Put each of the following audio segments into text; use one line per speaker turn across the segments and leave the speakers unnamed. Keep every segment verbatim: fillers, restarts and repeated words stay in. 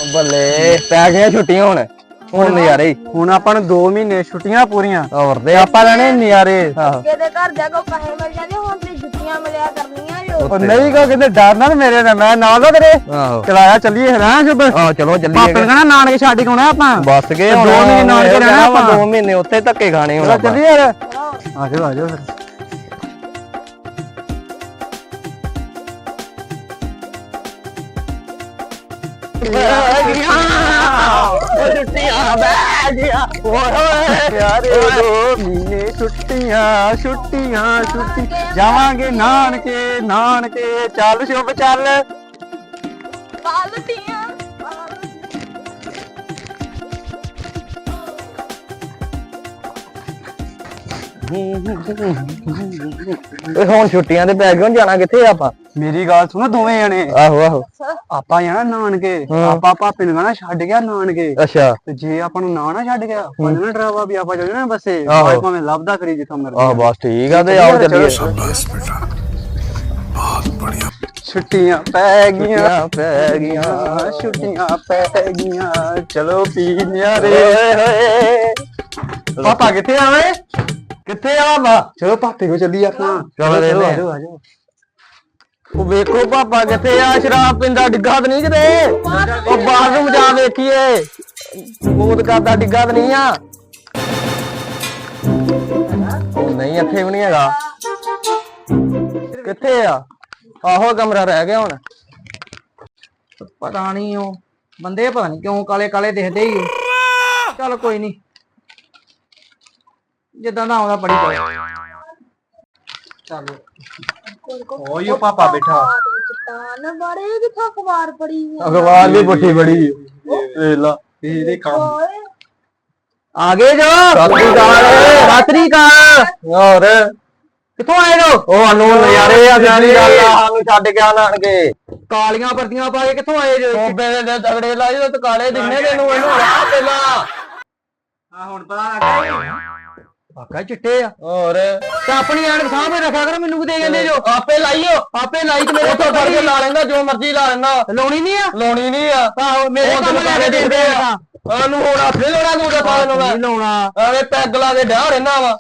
ਬੱਲੇ ਪੈ ਗਈਆਂ ਛੁੱਟੀਆਂ ਹੁਣ ਹੁਣ ਨਜ਼ਾਰੇ
ਹੁਣ ਆਪਾਂ ਨੂੰ ਦੋ ਮਹੀਨੇ ਛੁੱਟੀਆਂ ਪੂਰੀਆਂ
ਹੋਰ ਦੇ
ਆਪਾਂ ਲੈਣੇ ਨਜ਼ਾਰੇ।
ਆਹੋ
ਕਿਤੇ ਘਰ ਜਾ ਕੋ ਪੈਸੇ ਮਿਲ ਜਾਂਦੇ ਹੁਣ ਤੇ ਜੁੱਤੀਆਂ ਮਿਲਿਆ ਕਰਨੀਆਂ ਜੋ।
ਉਹ ਨਹੀਂ ਕੋ ਕਹਿੰਦੇ ਡਰ ਨਾਲ ਮੇਰੇ ਨਾਲ ਮੈਂ ਨਾਲ ਦਾ ਤੇਰੇ
ਆਹੋ
ਚਲਾਇਆ ਚੱਲੀਏ ਹਰਾਂ ਸ਼ੁਭ।
ਆਹੋ ਚਲੋ ਚੱਲੀਏ
ਪਾਪੇ ਨੇ ਕਹਿਣਾ ਨਾਨਕੇ ਛੱਡ ਕੇ ਆਉਣਾ ਆਪਾਂ
ਬਸ ਗਏ
ਦੋ
ਹੁਣ
ਮਹੀਨੇ ਨਾਨਕੇ ਰਹਿਣਾ ਆਪਾਂ
ਦੋ ਮਹੀਨੇ ਉੱਥੇ ਧੱਕੇ ਖਾਣੇ ਹੁਣ
ਚਲੋ
ਆਪਾਂ।
ਚੱਲੀਏ ਯਾਰ ਆਜੋ ਆਜੋ ਫਿਰ
ਛੁੱਟੀਆਂ ਬੈ ਗਿਆ
ਪਿਆਰੇ ਦੋ ਮਹੀਨੇ ਛੁੱਟੀਆਂ ਛੁੱਟੀਆਂ ਛੁੱਟੀ ਜਾਵਾਂਗੇ ਨਾਨਕੇ ਨਾਨਕੇ ਚੱਲ ਸ਼ੁਭ ਚੱਲ।
ਬਾਲਟੀਆਂ
ਹੁਣ ਛੁੱਟੀਆਂ ਤੇ ਪੈ ਗਏ ਹੁਣ ਜਾਣਾ ਕਿੱਥੇ ਆਪਾਂ?
ਮੇਰੀ ਗੱਲ ਸੁਣੋ ਦੋਵੇਂ ਜਣੇ
ਆਹੋ ਆਹੋ
ਆਪਾਂ ਜਾਣਾ ਨਾਨਕੇ
ਹਾਂ।
ਆਪਾਂ ਭਾਪੇ ਨੂੰ ਕਹਿਣਾ ਛੱਡ ਗਿਆ ਨਾਨਕੇ
ਅੱਛਾ
ਤੇ ਜੇ ਆਪਾਂ ਨੂੰ ਨਾ ਨਾ ਛੱਡ ਗਿਆ ਪੰਜਣਾ ਡਰਾਵਾ ਵੀ ਆਪਾਂ ਚੱਲ ਜਾਣਾ ਬੱਸੇ
ਆਹੋ।
ਭਾਵੇਂ ਭਾਵੇਂ ਲੱਭਦਾ ਕਰੀ ਜਿੱਥੋਂ ਮਰਜ਼ੀ।
ਆਹ ਬਸ ਠੀਕ ਆ ਤੇ ਆਓ ਚੱਲੀਏ।
ਛੁੱਟੀਆਂ ਪੈ ਗਈਆਂ
ਛੁੱਟੀਆਂ ਪੈ ਗਈਆਂ
ਛੁੱਟੀਆਂ ਪੈ ਗਈਆਂ ਚਲੋ ਪੀ ਨਿਆਰੇ।
ਓਏ ਹੋਏ
ਪਾਪਾ ਕਿੱਥੇ ਆ ਓਏ?
ਕਿੱਥੇ ਆ ਬਾ?
ਚਲੋ ਪਾਪੇ ਕੋ ਚੱਲੀ ਆਪਾਂ।
ਚਲੋ ਦੇ ਦੇ।
ਆਜੋ ਆਜੋ
ਉਹ ਵੇਖੋ ਪਾਪਾ ਕਿੱਥੇ ਆ? ਸ਼ਰਾਬ ਪੀਂਦਾ ਡਿੱਗਾ ਤਾਂ ਨਹੀਂ ਕਿਤੇ? ਉਹ ਬਾਥਰੂਮ ਜਾ ਵੇਖੀਏ ਮੂਤ ਕਰਦਾ ਡਿੱਗਾ ਤਾਂ ਨਹੀਂ ਆ? ਉਹ ਨਹੀਂ ਇੱਥੇ ਵੀ ਨਹੀਂ ਹੈਗਾ। ਕਿੱਥੇ ਆ? ਆਹੋ ਕਮਰਾ ਰਹਿ ਗਿਆ ਹੁਣ।
ਪਤਾ ਨਹੀਂ ਉਹ ਬੰਦੇ ਪਤਾ ਨਹੀਂ ਕਿਉਂ ਕਾਲੇ ਕਾਲੇ ਦਿਖਦੇ ਹੀ ਉਹ। ਚੱਲ ਕੋਈ ਨਹੀਂ ਜਿੱਦਾਂ ਦਾ ਆਉਂਦਾ ਪੜੀ ਜਾਓ। ਚੱਲ
ਓਏ ਪਾਪਾ ਬੈਠਾ
ਚਟਾਨ ਬਾਰੇ ਕਿਥੋਂ ਅਖਬਾਰ ਪੜੀ
ਅਖਬਾਰ ਦੀ ਪੁੱਠੀ ਬੜੀ
ਵੇਖ ਲਾ ਇਹਦੇ ਕੰਮ
ਓਏ
ਆ ਗਏ ਜੋ
ਸਤਿ
ਰਾਤਰੀ ਕਾ
ਹੋਰ
ਕਿੱਥੋਂ ਆਏ ਜੋ?
ਉਹ ਸਾਨੂੰ ਨਜ਼ਾਰੇ ਆ ਸਿਆਣੀ ਗੱਲ ਆ ਸਾਨੂੰ ਛੱਡ ਕੇ ਆਣਗੇ।
ਕਾਲੀਆਂ ਵਰਦੀਆਂ ਪਾ ਕੇ ਕਿੱਥੋਂ ਆਏ ਜੋ?
ਸੋਬੇ ਦੇ ਤਗੜੇ ਲਾਈ ਤੇ ਕਾਲੇ ਦਿਨੇ ਤੈਨੂੰ ਇਹਨੂੰ ਆ ਪਹਿਲਾਂ।
ਆ ਹੁਣ ਪਤਾ ਲੱਗਾ
ਵਾਕਾ ਚਿੱਟੇ ਆ
ਹੋਰ
ਤੇ ਆਪਣੀ ਐਨਕ ਸਾਹਮਣੇ ਰੱਖਿਆ ਕਰ ਮੈਨੂੰ ਕੀ ਦੇ ਜਾਂਦੇ ਜੋ?
ਆਪੇ ਲਾਈਓ
ਆਪੇ ਲਾਈ ਤੇ ਮੇਰੇ
ਉੱਥੋਂ ਫੜ ਕੇ ਲਾ ਲੈਂਦਾ ਜੋ ਮਰਜ਼ੀ ਲਾ ਲੈਂਦਾ
ਲਾਉਣੀ ਨਹੀਂ ਆ।
ਲਾਉਣੀ ਨਹੀਂ ਆ।
ਆਹੋ ਮੇਰੇ
ਉਹ
ਕੰਮ ਲੈ ਕੇ ਦਿੰਦੇ ਆ।
ਉਹਨੂੰ ਹੁਣ ਆਪੇ ਲਾਉਣਾ ਤੂੰ ਤਾਂ ਪਾ ਨੂੰ
ਨਹੀਂ ਲਾਉਣਾ
ਐਵੇਂ ਪੈਗ ਲਾ ਕੇ ਡਾਹ ਰਹਿਣਾ ਵਾ।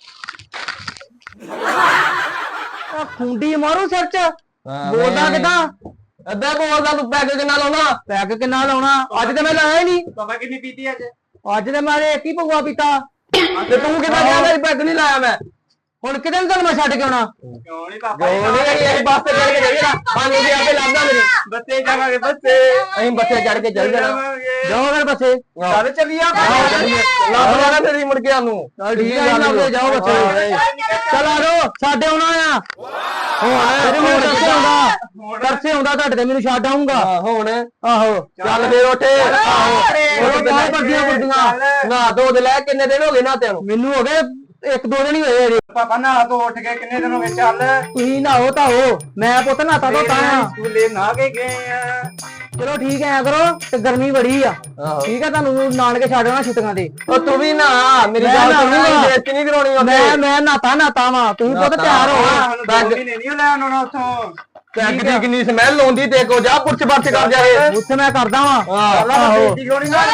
ਆ ਖੁੰਡੀ ਮਾਰੂ ਸਿਰ ਚ ਬੋਲਦਾ ਕਿਦਾਂ?
ਅੱਧਾ ਬੋਲਦਾ ਤੂੰ ਪੈਗ ਕਿੰਨਾ ਲਾਉਣਾ?
ਪੈਗ ਕਿੰਨਾ ਲਾਉਣਾ? ਅੱਜ ਤੇ ਮੈਂ ਲਾਇਆ ਹੀ ਨਹੀਂ।
ਪਾਪਾ ਕਿੰਨੀ ਪੀਤੀ ਅੱਜ?
ਅੱਜ ਤੇ ਮੈਂ ਇੱਕ ਹੀ ਭਗਵਾ ਪੀਤਾ।
ਤੇ ਤੂੰ ਕਿਦਾਂ ਕਹਿੰਦਾ ਪੈਗ ਨਹੀਂ ਲਾਇਆ ਮੈਂ?
ਹੁਣ ਕਿਤੇ ਨੂੰ ਤੁਹਾਨੂੰ ਮੈਂ ਛੱਡ ਕੇ ਆਉਣਾ?
ਕਿਉਂ ਨਹੀਂ ਪਾਪਾ
ਜੋ ਨਹੀਂ ਇਹ ਬੱਸ ਤੇ ਚੜ ਕੇ ਜਾਈਏ ਨਾ ਸਾਨੂੰ ਵੀ ਆਪੇ ਲੱਭਦਾ ਮੇਰੀ।
ਬੱਸੇ ਜਾਵਾਂਗੇ ਬੱਸੇ
ਅਸੀਂ ਬੱਸੇ ਚੜ ਕੇ ਚੱਲ ਜਾਣਾ।
ਜਾਓ ਫਿਰ ਬੱਸੇ।
ਚੱਲ ਚੱਲੀਏ
ਆਹੋ ਚੱਲੀਏ। ਲੱਭ ਜਾਣਾ ਤੇਰੀ ਮੁੜ ਕੇ ਸਾਨੂੰ।
ਚੱਲ ਠੀਕ ਹੈ ਲੱਭਦੇ ਜਾਓ ਬੱਸੇ। ਚੱਲ ਆ ਜਾਓ ਸਾਡੇ ਆਉਣਾ ਆ। ਹੁਣ ਮੈਨੂੰ ਤਰਸੇ ਆਉਂਦਾ ਤਰਸੇ ਆਉਂਦਾ ਤੁਹਾਡੇ ਤੇ ਮੈਨੂੰ ਛੱਡ ਆਉਂਗਾ।
ਹਾਂ ਹੁਣ
ਆਹੋ
ਚੱਲ ਫੇਰ ਉੱਠ। ਆਹੋ
ਉਹ ਬਾਹਰ ਵਰਦੀਆਂ ਵਰਦੀਆਂ
ਨਾ ਦੋ ਦੇ ਲੈ ਕਿੰਨੇ ਦਿਨ ਹੋ ਗਏ ਨਾ ਤੈਨੂੰ?
ਮੈਨੂੰ ਹੋ ਗਏ ਇੱਕ ਦੋ ਦਿਨ ਹੀ ਹੋਏ ਅਜੇ।
ਪਾਪਾ ਨਾ ਤੋਂ ਉੱਠ ਕੇ ਕਿੰਨੇ ਦਿਨ ਹੋ ਗਏ? ਚੱਲ
ਤੁਸੀਂ ਨਹਾਓ ਧਾਓ ਮੈਂ ਪੁੱਤ ਨਹਾਤਾ ਧੋਤਾ ਆ।
ਸਕੂਲੇ ਨਾ ਕੇ ਗਏ ਆ।
ਚਲੋ ਠੀਕ ਐ ਕਰੋ ਤੇ ਗਰਮੀ ਬੜੀ ਆ।
ਆਹੋ
ਠੀਕ ਹੈ ਤੁਹਾਨੂੰ ਨਾਨਕੇ ਛੱਡ ਆਉਣਾ ਛੁੱਟੀਆਂ ਤੇ।
ਉਹ ਤੂੰ ਵੀ ਨਾ ਮੇਰੀ
ਮੈਂ
ਗੱਲ
ਨਾ
ਸੁਣੀ
ਆਊਂਗਾ।
ਬੇਇੱਜ਼ਤੀ ਨਹੀਂ ਕਰਾਉਣੀ ਉੱਥੇ।
ਮੈਂ ਮੈਂ ਨਹਾਤਾ ਨਹਾਤਾ ਵਾ ਤੁਸੀਂ ਪੁੱਤ ਤਿਆਰ ਹੋ।
ਸਾਨੂੰ ਦੋ ਮਹੀਨੇ ਨਹੀਂ ਲੈਣ ਆਉਣਾ ਉੱਥੋਂ।
ਪੈਗ ਦੀ ਕਿੰਨੀ ਸਮੈਲ ਆਉਂਦੀ ਤੇ ਕੋ ਜਾ ਪੁਰਚ ਪਰਚ ਕਰ ਜਾਏ।
ਉੱਥੇ ਮੈਂ ਕਰਦਾ ਵਾ।
ਆਹੋ
ਬੇਇੱਜ਼ਤੀ ਕਰਾਉਣੀ ਨਾ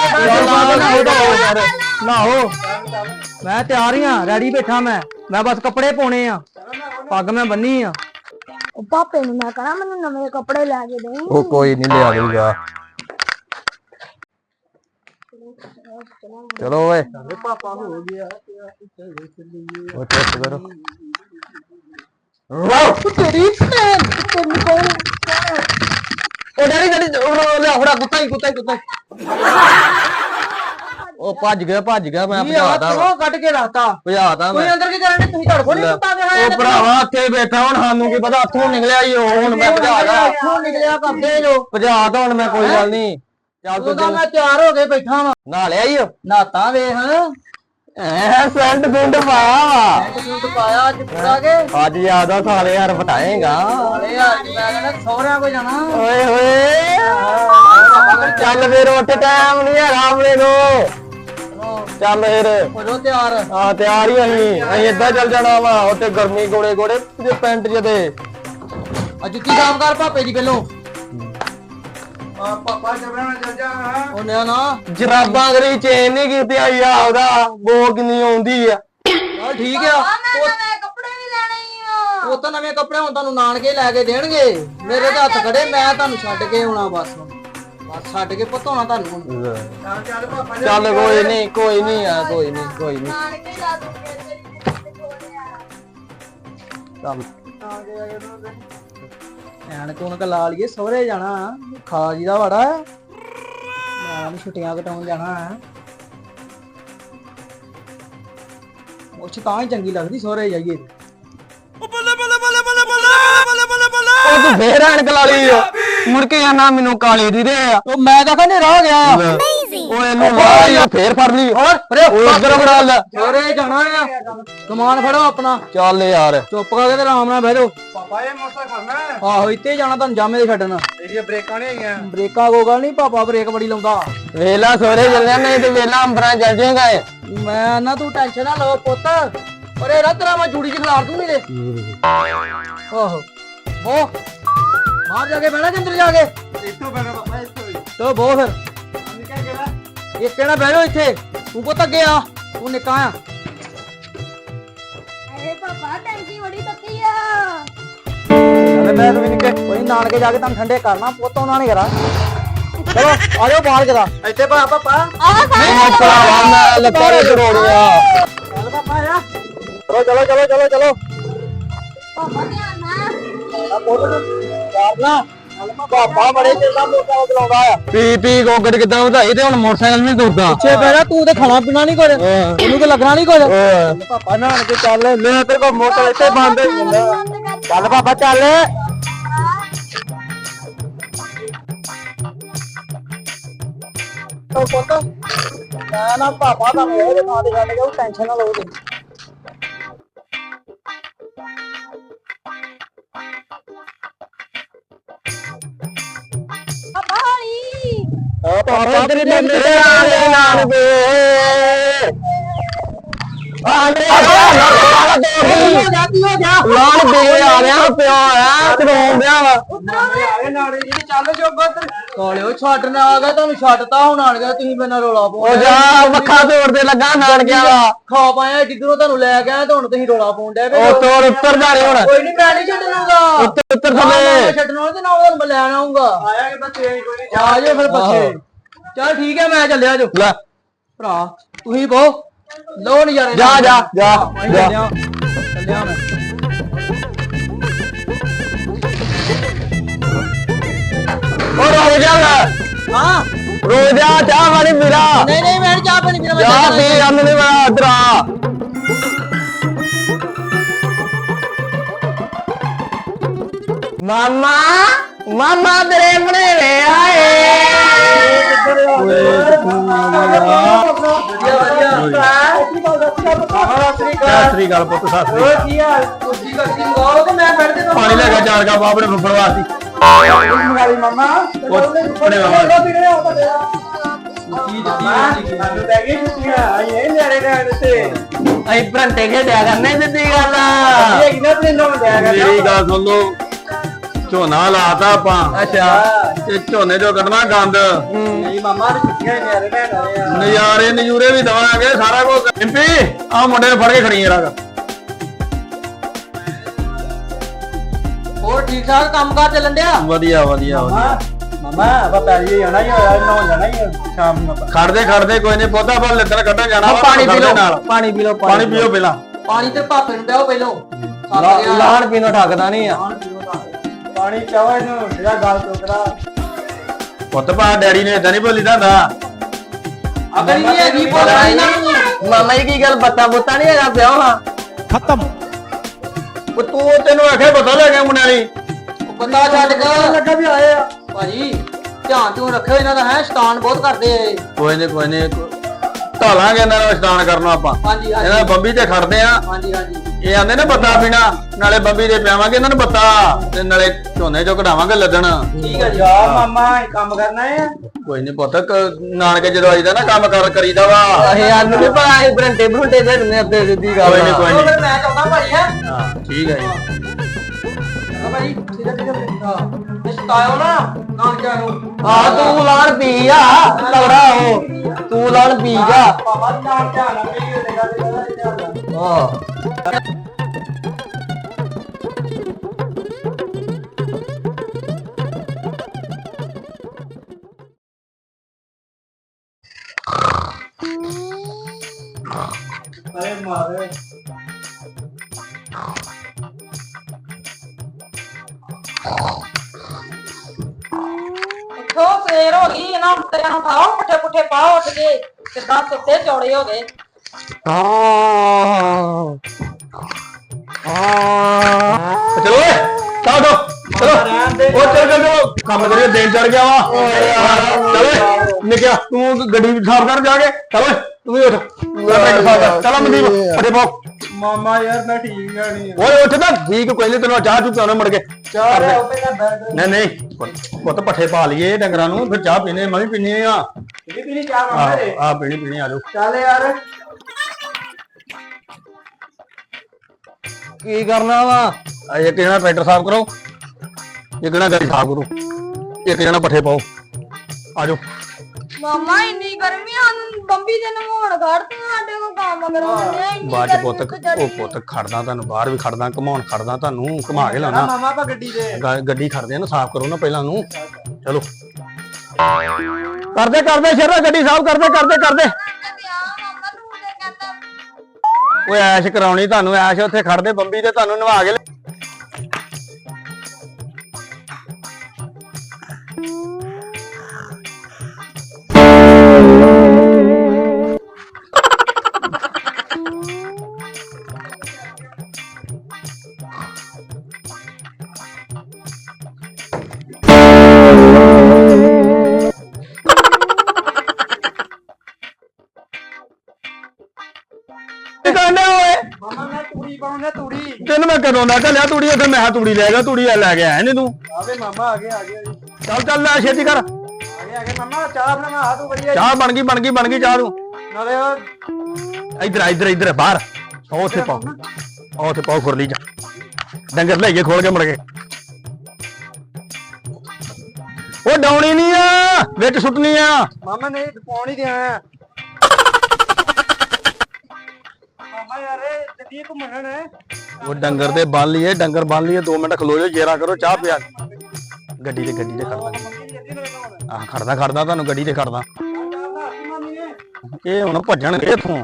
ਨਹਾਓ ਮੈਂ ਤਿਆਰ ਹੀ ਆ ਰੈਡੀ ਬੈਠਾ ਮੈਂ ਮੈਂ ਬਸ ਕੱਪੜੇ ਪਾਉਣੇ ਆ ਪੱਗ ਮੈਂ ਬੰਨੀ ਆ।
ਉਹ ਪਾਪੇ ਨੂੰ ਮੈਂ ਕਹਣਾ ਮੈਨੂੰ ਨਵੇਂ ਕੱਪੜੇ ਲੈ ਕੇ ਦੇ।
ਉਹ ਕੋਈ ਨਹੀਂ ਲਿਆ ਦੂਗਾ। ਚਲੋ ਓਏ
ਪਾਪਾ ਹੋ ਗਿਆ
ਉਹ ਚੁੱਪ ਕਰੋ।
ਤੇਰੀ ਭੈਣ ਤੈਨੂੰ ਕੌਣ?
ਉਹ ਡੈਡੀ ਡੈਡੀ ਉਹ ਲਿਆ ਫੜਾ ਕੁੱਤਾ ਹੀ ਕੁੱਤਾ ਹੀ ਕੁੱਤਾ ਹੀ। ਉਹ ਭੱਜ ਗਿਆ ਭੱਜ ਗਿਆ ਮੈਂ
ਕੀ ਆ
ਭਜਾਤਾ ਵਾ
ਤੂੰ ਕੱਢ ਕੇ ਰੱਖਤਾ।
ਭਜਾਤਾ
ਕੋਈ
ਮੈਂ।
ਅੰਦਰ ਕੀ ਕਰਨ ਦੇ ਤੁਸੀਂ ਧੜ ਕੋਲ ਨਹੀਂ ਕੁੱਤਾ ਦੇ ਹੋਇਆ?
ਉਹ ਭਰਾਵਾ ਇੱਥੇ ਬੈਠਾ ਹੁਣ ਸਾਨੂੰ ਕੀ ਪਤਾ ਹੱਥੋਂ ਨਿਕਲਿਆ ਹੀ ਉਹ ਹੁਣ ਮੈਂ ਭਜਾਦਾ
ਇੱਥੋਂ ਨਿਕਲਿਆ ਕਰਦੇ ਜੋ।
ਭਜਾਤਾ ਹੁਣ ਮੈਂ ਕੋਈ ਗੱਲ ਨਹੀਂ। ਚੱਲ
ਤੂੰ
ਤੂੰ
ਤਾਂ ਮੈਂ ਤਿਆਰ ਹੋ ਕੇ ਬੈਠਾ ਵਾ।
ਨਾ ਲਿਆ ਹੀ
ਨਹਾਤਾ ਵੇਖ
ਐ ਸੈਂਡ ਗੁੰਡ ਪਾਇਆ
ਸੂਟ ਪਾਇਆ ਅੱਜ ਪੂਰਾ ਕੇ।
ਅੱਜ ਯਾਦਾ ਸਾਲੇ ਯਾਰ ਬਟਾਏਗਾ।
ਅਰੇ ਯਾਰ ਮੈਂ ਕਹਿੰਦਾ ਸਹੁਰਿਆਂ ਕੋ ਜਾਣਾ।
ਓਏ ਹੋਏ ਚੱਲ ਫੇਰ ਉੱਠ ਟਾਈਮ ਨਹੀਂ ਹੈਗਾ ਆਪਣੇ ਨੂੰ। ਚੱਲ ਫੇਰ
ਹੋ ਜਾਓ ਤਿਆਰ।
ਹਾਂ ਤਿਆਰ ਹੀ ਅਸੀਂ ਅਸੀਂ ਏਦਾਂ ਚੱਲ ਜਾਣਾ ਵਾ ਉੱਥੇ ਗਰਮੀ ਗੋੜੇ ਗੋੜੇ ਜੇ ਪੈਂਟ ਜਿਹੇ ਤੇ
ਆ ਜੁੱਤੀ ਸਾਫ਼ ਕਰ ਭਾਪੇ ਦੀ ਪਹਿਲੋਂ।
ਪਾਪਾ ਜਬਰਾਂ ਚੱਲ ਜਾ
ਉਹ ਨਾ ਨਾ
ਜਰਾਬਾਂ ਕਰੀ ਚੇਨ ਨਹੀਂ ਕੀਤੀ ਆਈ ਆ ਉਹਦਾ ਬੋ ਕਿੰਨੀ ਆਉਂਦੀ ਆ
ਚੱਲ ਠੀਕ ਆ
ਆ ਮੈਂ ਨਵੇਂ ਕੱਪੜੇ ਵੀ ਲੈਣੇ ਹੀ ਆ
ਉਹ ਤਾਂ ਨਵੇਂ ਕੱਪੜੇ ਹੁਣ ਤੁਹਾਨੂੰ ਨਾਨਕੇ ਲੈ ਕੇ ਦੇਣਗੇ ਮੇਰੇ ਤੇ ਹੱਥ ਖੜੇ ਮੈਂ ਤੁਹਾਨੂੰ ਛੱਡ ਕੇ ਆਉਣਾ ਬਸ ਬਸ ਛੱਡ ਕੇ ਪਤਾਉਣਾ ਤੁਹਾਨੂੰ ਹੁਣ।
ਚੱਲ ਚੱਲ ਪਾਪਾ
ਚੱਲ ਕੋਈ ਨਹੀਂ ਕੋਈ ਨਹੀਂ ਆ ਕੋਈ ਨਹੀਂ ਕੋਈ ਨਹੀਂ
ਨਾਨਕੇ ਲਾ ਦੂੰਗੇ ਤੇਰੀ ਕੁੜੀ ਦੇ ਕੋਲ ਆ
ਚੱਲ
ਐਨ ਕੋਨਕ ਲਾ ਲਈਏ ਸਹੁਰੇ ਜਾਣਾ ਖਾ ਜੀ ਦਾ ਵੜਾ ਮੈਂ ਵੀ ਛੁੱਟੀਆਂ ਕਟਾਉਣ ਜਾਣਾ ਹੈ ਮੁੱਛ ਤਾਂ ਹੀ ਚੰਗੀ ਲੱਗਦੀ ਸਹੁਰੇ ਜਾਈਏ
ਉਹ ਤੂੰ ਫੇਰ ਐਨਕ ਲਾ ਲਈ ਆ। ਮੁੜ ਕੇ ਆਣਾ ਮੈਨੂੰ ਕਾਲੀ ਦੀ ਦੇ ਆ
ਉਹ ਮੈਂ ਤਾਂ ਕਹਿੰਦੇ ਰਹਿ ਗਿਆ
ਉਹ ਇਹਨੂੰ ਵਾਹ ਆ ਫੇਰ ਫੜ ਲਈ ਹੋਰ ਉਹ ਉਧਰ ਫੜਾ ਲੈ
ਸਹੁਰੇ ਜਾਣਾ ਆ ਕਮਾਨ ਫੜੋ ਆਪਣਾ
ਚੱਲ ਯਾਰ
ਚੁੱਪ ਕਰਕੇ ਤੇ ਆਰਾਮ ਨਾਲ ਬਹਿ ਜਾਓ
ਪਾਪਾ ਇਹ ਮੋਟਾ ਖੜਨਾ ਹੈ
ਆਹੋ ਇੱਥੇ ਜਾਣਾ ਤੁਹਾਨੂੰ ਜਾਮੇ ਦੇ ਛੱਡਣ
ਇਹਦੀਆਂ ਬ੍ਰੇਕਾਂ ਨਹੀਂ ਹੈਗੀਆਂ
ਬ੍ਰੇਕਾਂ ਕੋ ਗੱਲ ਨਹੀਂ ਪਾਪਾ ਬ੍ਰੇਕ ਬੜੀ ਲਾਉਂਦਾ
ਵੇਲਾ ਸੋਰੇ ਚੱਲਿਆ ਨਹੀਂ ਤੇ ਵੇਲਾ ਅੰਬਰਾਂ ਚੱਲ ਜਾਏਗਾ ਏ
ਮੈਂ ਨਾ ਤੂੰ ਟੈਨਸ਼ਨ ਨਾ ਲਓ ਪੁੱਤ ਅਰੇ ਰਾ ਤੇਰਾ ਮੈਂ ਜੂੜੀ ਚ ਖਿਲਾਰ ਦੂੰ ਇਹਦੇ ਆਹੋ ਬੋ ਬਾਹਰ ਜਾ ਕੇ ਬਹਿਣਾ ਕਿ ਅੰਦਰ ਜਾ ਕੇ
ਇੱਥੋਂ ਬੈਠਾ ਪਾਪਾ ਇੱਥੋਂ ਹੀ
ਚਲੋ ਬੋ ਫਿਰ
ਅੰਨੀ ਕਹਿ ਗਿਆ
ਇਹ ਕਿਹੜਾ ਬਹਿ ਜਾਓ ਇੱਥੇ ਤੂੰ ਪੁੱਤ ਅੱਗੇ ਆ ਤੂੰ ਨਿੱਕਾ ਆ
ਅਰੇ ਪਾਪਾ ਟੈਂਕੀ ਬੜੀ ਤੱਤੀ ਆ
ਚੱਲ ਬੈਠ ਵੀ ਨਿੱਕੇ ਕੋਈ ਨਾਨਕੇ ਜਾ ਕੇ ਤੁਹਾਨੂੰ ਠੰਡੇ ਕਰਨਾ ਪੁੱਤ ਉਹਨਾਂ ਨੇ ਕਰਾ ਚਲੋ ਆ ਜਾਓ ਬਾਹਰ ਕਰਾ
ਇੱਥੇ ਪਾ ਪਾਪਾ
ਆ
ਨਹੀਂ ਭਰਾਵਾ ਮੈਂ ਲੱਤਾਂ ਜੋੜੀਆਂ
ਚੱਲ ਪਾਪਾ ਆ ਚਲੋ ਚਲੋ ਚਲੋ ਚਲੋ ਚਲੋ
ਪਾਪਾ ਧਿਆਨ ਨਾਲ
ਆ ਪੁੱਤ ਯਾਰ ਨਾ ਪਾਪਾ ਬੜੇ ਚਿਰ ਦਾ ਮੋਟਾ ਚਲਾਉਂਦਾ ਆ
ਪੀ ਪੀ ਗੋਗੜ ਕਿਦਾਂ ਵਧਾਈ ਤੇ ਹੁਣ ਮੋਟਰਸਾਈਕਲ ਨਹੀਂ ਤੁਰਦਾ
ਪਿੱਛੇ ਬਹਿਣਾ ਤੂੰ ਤੇ ਖਾਣਾ ਪੀਣਾ ਨਹੀਂ ਕੁਝ ਉਹਨੂੰ ਤੇ ਲੱਗਣਾ ਨਹੀਂ ਕੁਝ
ਓਏ
ਪਾਪਾ ਨਾਨ ਕੇ ਚੱਲ
ਲੈ ਤੇਰੇ ਕੋਲ ਮੋਟਰ ਇੱਥੇ ਬੰਦ ਹੋਈ ਜਾਂਦਾ
ਬੰਦ ਕਰ
ਚੱਲ ਪਾਪਾ ਚੱਲ ਉਹ ਪੁੱਤ ਨਾ ਨਾ ਪਾਪਾ ਦਾ ਮੇਰੇ ਥਾਂ ਤੇ ਛੱਡ ਗਿਆ ਉਹ ਟੈਨਸ਼ਨ ਨਾ ਲਓ ਤੁਸੀਂ
ਪਾਪਾ ਹੌਲੀ
ਆ
ਪਾਪਾ ਤੇਰੇ ਮੇਰੇ ਆਲੇ ਨਾਲ ਵੇ ਆਲੇ
ਜਾਤੀ ਹੋ ਜਾ
ਲਾਣ ਦੇ ਆ ਰਿਹਾ ਪਿਓ ਆ ਕਰਾਉਣ ਦਿਆ ਵਾ
ਆਏ ਨਾਲੇ ਜੀ ਚੱਲ ਜੋਗੋ ਤੇ
ਕਾਲਿਓ ਛੱਡ ਨਾ ਆ ਗਿਆ ਤੁਹਾਨੂੰ ਛੱਡਤਾ ਹੁਣ ਆਣ ਗਿਆ ਤੁਸੀਂ ਮੇਰੇ ਨਾਲ ਰੋਲਾ
ਉਹ
ਪਾਉਂਦੇ
ਜਾ ਮੱਖਾ ਤੋੜਦੇ ਲੱਗਾ ਨਾਨ ਗਿਆ ਵਾ
ਖਾ ਪਾਇਆ ਜਿੱਧਰੋਂ ਤੁਹਾਨੂੰ ਲੈ ਗਿਆ ਤੇ ਹੁਣ ਤੁਸੀਂ ਰੋਲਾ ਪਾਉਣ ਡਿਆ
ਉਹ ਤੋੜ ਉੱਤਰ ਜਾ ਰਹੀ ਹੁਣ
ਕੋਈ ਨਹੀਂ ਮੈਂ ਨਹੀਂ ਛੱਡਣਾਗਾ
ਉੱਤਰ ਉੱਤਰ
ਮੈਂ
ਥੱਲੇ
ਛੱਡਣਾ ਤੇ ਨਾ ਉਹਨੂੰ ਮੈਂ ਲੈਣ ਆਉਂਗਾ
ਆਇਆ ਕਿ ਬੱਚੇ ਕੋਈ ਨਹੀਂ
ਆ ਜਾਓ ਫਿਰ ਬੱਚੇ ਚੱਲ ਠੀਕ ਹੈ ਮੈਂ ਚੱਲਿਆ ਜੋ
ਲੈ
ਭਰਾ ਤੁਸੀਂ ਬਹੁ ਲੋ ਨਜ਼ਾਰੇ
ਜਾ ਜਾ ਜਾ ਜਾ
ਚੱਲਿਆ ਚੱਲਿਆ ਮੈਂ
ਉਹ ਰੋ ਜਾ
ਹਾਂ
ਰੋ ਜਾ ਚਾਹ ਵਾਲੀ ਮੇਰਾ
ਨਹੀਂ ਨਹੀਂ ਮੈਂ ਨੀ ਚਾਹ ਪਾਣੀ ਪੀਣਾ ਮੈਂ
ਚਾਹ
ਚੱਲਿਆ।
ਪੀ ਅੰਨ ਨਹੀਂ ਬਣਾ ਇਧਰ ਆ ਮਾਮਾ ਮਾਮਾ ਤੇਰੇ ਬਣੇਵੇ ਆਏ ਸਤਿ ਗੱਲ ਪੁੱਤ ਸਤਿ
ਓਏ ਕੀ ਹਾਲ ਕੁਰਸੀ ਕੱਟੀ ਮੰਗਾਓ ਤੇ ਮੈਂ ਬੈਠ ਤੇ
ਪਾਣੀ ਲੈ ਕੇ ਚਾਰ ਕਾ ਬਾਬੜੇ ਫੁੱਫੜ ਵਾਸਤੇ
ਮੰਗਾਲੀ ਮਾਮਾ
ਫੁੱਫੜੇ ਵਾਸਤੇ
ਕੀ ਜੱਤੀ
ਸਾਨੂੰ ਲੈ ਗਈ ਛੁੱਟੀਆਂ ਆਏ ਨਿਆਰੇ ਰਹਿਣ ਤੇ
ਅਸੀਂ ਭਰੰਟੇ ਖੇਡਿਆ ਕਰਨੇ ਸਿੱਧੀ ਗੱਲ
ਇਹ ਕਿਨਾਂ ਤੇ ਨੋਂ ਲਿਆ
ਮੇਰੀ ਗੱਲ ਸੁਣ ਲੋ ਝੋਨਾ ਲਾਤਾ ਆਪਾਂ
ਅੱਛਾ
ਤੇ ਝੋਨੇ ਚੋਂ ਕੱਢਣਾ ਗੰਦ
ਨਹੀਂ ਮਾਮਾ ਨੇ ਛੁੱਟੀਆਂ ਨਿਆਰੇ ਰਹਿਣ ਆਏ ਆ
ਨਜ਼ਾਰੇ ਨਜੂਰੇ ਵੀ ਦਵਾਂਗੇ ਸਾਰਾ ਕੁਝ ਇੰਪੀ ਆ ਮੁੰਡੇ ਨੂੰ ਫੜ ਕੇ ਖੜੀ ਯਾਰ
ਹੋਰ ਠੀਕ ਠਾਕ ਕੰਮ ਕਾਰ ਚੱਲਣ ਡਿਆ
ਵਧੀਆ ਵਧੀਆ ਵਧੀਆ
ਮਾਮਾ ਆਪਾਂ ਪੈਰੀ ਜਾਣਾ ਹੀ ਹੋਇਆ ਨਹਾਉਣ ਜਾਣਾ ਹੀ ਸ਼ਾਮ ਨੂੰ ਆਪਾਂ
ਖੜਦੇ ਖੜਦੇ ਕੋਈ ਨਹੀਂ ਪੌਦਾ ਪਰ ਲੱਦਣ ਕੱਢਣ ਜਾਣਾ ਵਾ,
ਪਾਣੀ ਪੀ ਲਓ
ਨਾਲ
ਪਾਣੀ ਪੀ ਲਓ
ਪਾਣੀ ਪੀਓ ਪਹਿਲਾਂ
ਪਾਣੀ ਤੇ ਭਾਪੇ ਨੂੰ ਦਿਓ ਪਹਿਲੋਂ
ਲਾਣ ਪੀਣੋਂ ਠੱਕਦਾ ਨਹੀਂ ਆ
ਪਾਣੀ ਚਾਹੋ ਇਹਨੂੰ ਜਿਹੜਾ ਗੱਲ ਟੋਕਰਾ
ਪੁੱਤ ਪਾ ਡੈਡੀ ਨੇ ਇਦਾਂ ਨਹੀਂ ਬੋਲੀ ਦਾ ਹੁੰਦਾ
ਅਗਲੀ ਨਹੀਂ ਹੈਗੀ ਬੋਲਣਾ ਇਹਨਾਂ ਨੂੰ
ਮਾਮਾ ਜੀ ਕੀ ਗੱਲ ਬੱਤਾ ਬੁੱਤਾ ਨਹੀਂ ਹੈਗਾ ਪਿਆ ਹਾਂ
ਖਤਮ
ਉਹ ਤੂੰ ਤੈਨੂੰ ਆਖੇ ਪਤਾ ਲੈ ਗਿਆ ਮੁੰਡਿਆਂ ਦੀ
ਬੰਦਾ ਛੱਡ ਕੇ
ਲੱਗਾ ਵੀ ਆਏ ਆ
ਭਾਜੀ ਧਿਆਨ ਤੂੰ ਰੱਖਿਓ ਇਹਨਾਂ ਦਾ ਹੈ ਸ਼ੈਤਾਨ ਬਹੁਤ ਕਰਦੇ ਆ ਇਹ।
ਕੋਈ ਨਹੀਂ ਕੋਈ ਨਹੀਂ ਢਾਲਾਂਗੇ ਇਹਨਾਂ ਨੂੰ ਇਸ਼ਨਾਨ ਕਰਨਾ ਆਪਾਂ
ਹਾਂਜੀ
ਇਹਨਾਂ
ਹਾਂਜੀ
ਬੰਬੀ ਤੇ ਖੜਦੇ ਆ
ਹਾਂਜੀ ਹਾਂਜੀ
ਇਹ ਆਂਦੇ ਨੇ ਬੱਤਾ ਪੀਣਾ ਨਾਲੇ ਬੰਬੀ ਦੇ ਪਿਆਵਾਂਗੇ ਇਹਨਾਂ ਨੂੰ ਬੱਤਾ ਤੇ ਨਾਲੇ ਝੋਨੇ ਚੋਂ ਕਢਾਵਾਂਗੇ ਲੱਦਣ
ਠੀਕ ਹੈ ਜੀ
ਜਾ ਮਾਮਾ ਇਹ ਕੰਮ ਕਰਨਾ ਹੈ
ਕੋਈ ਨਹੀਂ ਪੁੱਤ ਕ- ਨਾਨਕੇ ਜਦੋਂ ਆਈਦਾ ਨਾ ਕੰਮ ਕਰ ਕਰੀਦਾ ਵਾ
ਇਹ ਆਨੂੰ ਨਹੀਂ ਪਤਾ ਇਹ ਬਰੰਟੇ ਬਰੰਟੇ ਦੇ ਨੇ ਅੱਧੇ ਸਿੱਧੀ
ਕੋਈ ਨਹੀਂ ਕੋਈ
ਉਹ
ਨਹੀਂ
ਫਿਰ ਮੈਂ ਚਾਹੁੰਦਾ ਭਾਈ ਹੈ
ਹਾਂ ਠੀਕ ਹੈ ਜੀ
ਭਾਈ ਸਿੱਧਾ ਸਿੱਧਾ ਹਾਂ ਨਿਸ਼ਤਾਇਓ ਨਾ ਨਾਨਕਿਆਂ ਨੂੰ
ਆ ਤੂੰ ਲਾਣ ਪੀ ਆ ਤਗੜਾ ਹੋ ਤੂੰ ਲਾਣ ਪੀ ਜਾ
ਬਾਬਾ ਧਿਆਨ ਧਿਆਨ ਨਾਲ ਪਈ ਹੋਏ ਗੱਲ
ਹਾਂ
ਅਰੇ ਮਾਰੇ
ਉੱਠੋ ਸਵੇਰ ਹੋ ਗਈ ਇਹਨਾਂ ਉੱਤੇ ਨੂੰ ਖਾਓ ਪੁੱਠੇ ਪੁੱਠੇ ਪਾਓ ਉੱਠ ਕੇ ਕਿੱਦਾਂ ਸੁੱਤੇ ਚੌੜੇ ਹੋ ਗਏ
ਹਾਂ ਹਾਂ ਚਲੋ ਓਏ ਚਲੋ ਚਲੋ ਉਹ ਚੱਲ ਚੱਲ ਚਲੋ ਕੰਮ ਕਰੀਏ ਦਿਨ ਚੜ ਗਿਆ ਵਾ ਚਲੋ ਨਿਕਿਆ ਤੂੰ ਗੱਡੀ ਸਾਫ਼ ਕਰ ਜਾ ਕੇ ਚਲੋ ਤੂੰ ਵੀ ਉੱਠ ਚਲੋ ਮਨਦੀਪ ਫੜੇ ਪਾਓ
ਮਾਮਾ ਯਾਰ ਮੈਂ ਠੀਕ ਆ ਨਹੀਂ
ਓਏ ਉੱਠ ਤਾਂ ਠੀਕ ਕੋਈ ਨਹੀਂ ਤੈਨੂੰ ਚਾਹ ਚੁ ਪਿਆਉਣਾ ਮੁੜ ਕੇ
ਚਾਹ ਲੈ ਉੱਤੇ ਨਾ ਬੈਠ
ਨਹੀਂ ਨਹੀਂ ਪੁੱਤ ਪੱਠੇ ਪਾ ਲਈਏ ਡੰਗਰਾਂ ਨੂੰ ਫਿਰ ਚਾਹ ਪੀਨੇ ਮੈਂ ਵੀ ਪੀਣੀ ਆ
ਇਹ ਵੀ ਨਹੀਂ ਚਾਹ ਮਾਮਾ ਰੇ
ਆ ਪੀਣੀ ਪੀਣੀ ਆ ਜਾਓ
ਚੱਲ ਯਾਰ
ਕੀ ਕਰਨਾ ਵਾ ਇੱਕ ਜਣਾ ਟਰੈਕਟਰ ਸਾਫ਼ ਕਰੋ ਇੱਕ ਜਣਾ ਗੱਡੀ ਸਾਫ਼ ਕਰੋ ਇੱਕ ਜਣਾ ਪੱਠੇ ਪਾਓ ਆ ਜਾਓ
ਮਾਮਾ ਇੰਨੀ ਗਰਮੀ ਆ ਬੰਬੀ ਦੇ ਨਹਾਉਣ ਘੜਤੀਆਂ ਸਾਡੇ ਕੋਲ ਕੰਮ ਕਰਾਉਂਦੇ ਇੰਨੀ
ਬਾਅਦ ਚ ਪੁੱਤ ਉਹ ਪੁੱਤ ਖੜਦਾ ਤੁਹਾਨੂੰ ਬਾਹਰ ਵੀ ਖੜਦਾ ਘਮਾਉਣ ਖੜਦਾ ਤੁਹਾਨੂੰ ਘੁਮਾ ਕੇ ਲਾਉਣਾ
ਮਾਮਾ ਆਪਾਂ ਗੱਡੀ ਦੇ
ਗ- ਗੱਡੀ ਖੜਦੇ ਆ ਨਾ ਸਾਫ਼ ਕਰੋ ਨਾ ਪਹਿਲਾਂ ਨੂੰ ਚਲੋ ਕਰਦੇ ਕਰਦੇ ਸ਼ੇਰਾ ਗੱਡੀ ਸਾਫ਼ ਕਰਦੇ ਕਰਦੇ ਕਰਦੇ
ਮਾਮਾ ਤੂੰ ਤੇ ਕਹਿੰਦਾ
ਓਏ ਐਸ਼ ਕਰਾਉਣੀ ਤੁਹਾਨੂੰ ਐਸ਼ ਉੱਥੇ ਖੜਦੇ ਬੰਬੀ ਤੇ ਤੁਹਾਨੂੰ ਨਵਾ ਕੇ ਲਿਆ- ਕੀ ਕਰਨਾ ਓਏ
ਮਾਮਾ ਮੈਂ ਤੂੜੀ ਪਾਉਣਾ ਤੂੜੀ
ਤੈਨੂੰ ਮੈਂ ਕਦੋਂ ਦਾ ਚੱਲਿਆ ਤੂੜੀ ਉੱਥੇ ਮੈਂ ਕਿਹਾ ਤੂੜੀ ਲੈ ਗਿਆ ਤੂੜੀ ਲੈ ਕੇ ਆਇਆ ਨੀ ਤੂੰ
ਆਵੇ ਮਾਮਾ ਆ ਗਿਆ ਆ ਗਿਆ ਜੀ
ਚੱਲ ਚੱਲ ਲੈ ਛੇਤੀ ਕਰ
ਆ ਗਿਆ ਆ ਗਿਆ ਮਾਮਾ ਚਾਹ ਬਣਾ ਆ ਤੂੰ ਵਧੀਆ
ਚਾਹ ਬਣ ਗਈ ਬਣ ਗਈ ਬਣ ਗਈ ਚਾਹ ਤੂੰ
ਨਾਲੇ ਉਹ
ਇੱਧਰ ਆ, ਇੱਧਰ ਇੱਧਰ ਬਾਹਰ ਉਹ ਉੱਥੇ ਪਾਓ ਉਹ ਉੱਥੇ ਪਾਓ ਖੁਰਲੀ ਚ ਡੰਗਰ ਲੈ ਕੇ ਖੋਲ ਕੇ ਮੁੜ ਕੇ ਉਹ ਡਾਉਣੀ ਨਹੀਂ ਆ ਵਿੱਚ ਸੁੱਟਣੀ ਆ
ਮਾਮਾ ਨਹੀਂ ਪਾਉਣ ਹੀ ਦਿਆ ਮਾਮਾ ਯਾਰ ਇਹ ਜੱਦੀ ਘੁੰਮਣ ਨੇ
ਉਹ ਡੰਗਰ ਦੇ ਬੰਨ ਲਈਏ ਡੰਗਰ ਬੰਨ ਲਈਏ ਦੋ ਮਿੰਟ ਖਲੋ ਜਾਓ ਜੇਰਾ ਕਰੋ ਚਾਹ ਪਿਆ ਗੱਡੀ ਤੇ ਗੱਡੀ ਤੇ ਖੜਦਾ ਆਹ ਖੜਦਾ ਖੜਦਾ ਤੁਹਾਨੂੰ ਗੱਡੀ ਤੇ ਖੜਦਾ ਇਹ ਹੁਣ ਭੱਜਣਗੇ ਇੱਥੋਂ